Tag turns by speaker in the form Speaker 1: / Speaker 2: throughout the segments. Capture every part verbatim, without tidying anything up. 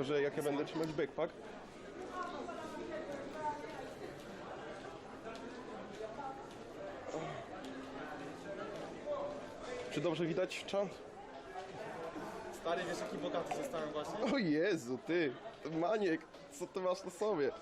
Speaker 1: Tylko że jak ja będę trzymać backpack. Czy dobrze widać czant?
Speaker 2: Stary, wiesz jaki bogaty zostałem właśnie?
Speaker 1: O Jezu, ty, Maniek, co ty masz na sobie?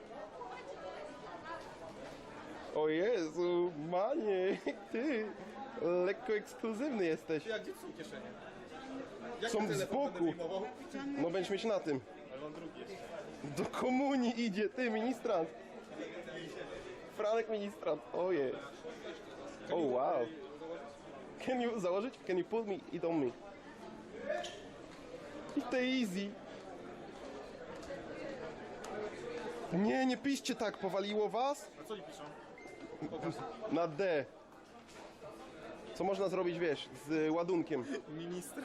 Speaker 1: O Jezu, Maniek, ty, lekko ekskluzywny jesteś.
Speaker 2: Ty, a gdzie są kieszenie? Jak
Speaker 1: Są
Speaker 2: ten
Speaker 1: z
Speaker 2: telefon
Speaker 1: boku.
Speaker 2: będę wyjmował?
Speaker 1: No będziesz mieć na tym.
Speaker 2: Ale mam drugi jeszcze.
Speaker 1: Do komunii idzie, ty, ministrant. Franek ministrant, ojej. Oh wow. Can you założyć? Can you pull me? It on me. I to easy. Nie, nie piszcie tak, powaliło was?
Speaker 2: A co oni piszą? Pokaż.
Speaker 1: Na D. Co można zrobić, wiesz, z ładunkiem?
Speaker 2: Minister.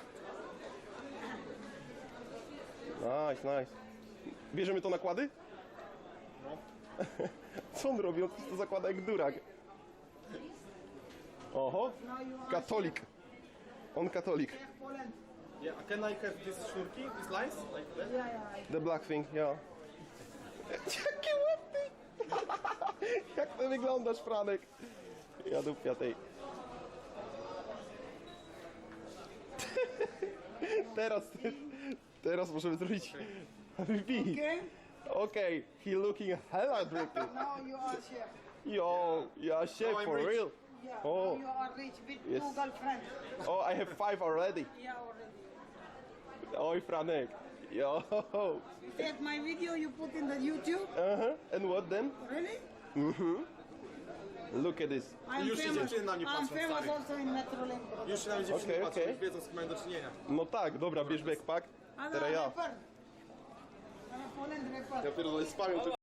Speaker 1: Nice, nice. Bierzemy to nakłady?
Speaker 2: No.
Speaker 1: Co on robi? On to zakłada jak durak. Oho, katolik. On katolik.
Speaker 2: Yeah, can I have this szurki? This lines? Like that?
Speaker 1: The black thing, ja. Jakie ładny! Jak ty wyglądasz, Franek? Ja dupia tej. Teraz, teraz możemy zrobić repeat.
Speaker 3: Okay?
Speaker 1: Okay, he looking hella drippy.
Speaker 3: Now you are chef.
Speaker 1: Yo, yeah, chef
Speaker 2: Now I'm
Speaker 1: for
Speaker 2: rich.
Speaker 1: real.
Speaker 3: Yeah.
Speaker 1: Oh.
Speaker 3: Now you are rich with
Speaker 1: Yes.
Speaker 3: two girlfriends.
Speaker 1: Oh, I have five already.
Speaker 3: Yeah, already.
Speaker 1: Oj, Franek. Yo.
Speaker 3: You take my video, you put in the YouTube.
Speaker 1: Uh-huh. And what then?
Speaker 3: Really?
Speaker 1: Look at this.
Speaker 3: I'm
Speaker 2: Już się
Speaker 3: famous.
Speaker 2: dziewczyny na mnie
Speaker 3: I'm
Speaker 2: patrzą,
Speaker 3: famous
Speaker 2: stary.
Speaker 3: also in Metrolink.
Speaker 2: Już się nawet dziewczyny
Speaker 1: Okej,
Speaker 2: patrzą,
Speaker 1: okej.
Speaker 2: już wiedzą z kim mają do czynienia.
Speaker 1: No tak, dobra, bierz backpack.
Speaker 3: I'm
Speaker 1: Teraz
Speaker 3: a
Speaker 1: ja.
Speaker 3: rapper. I'm a Poland rapper.
Speaker 1: Ja pierdolę spamię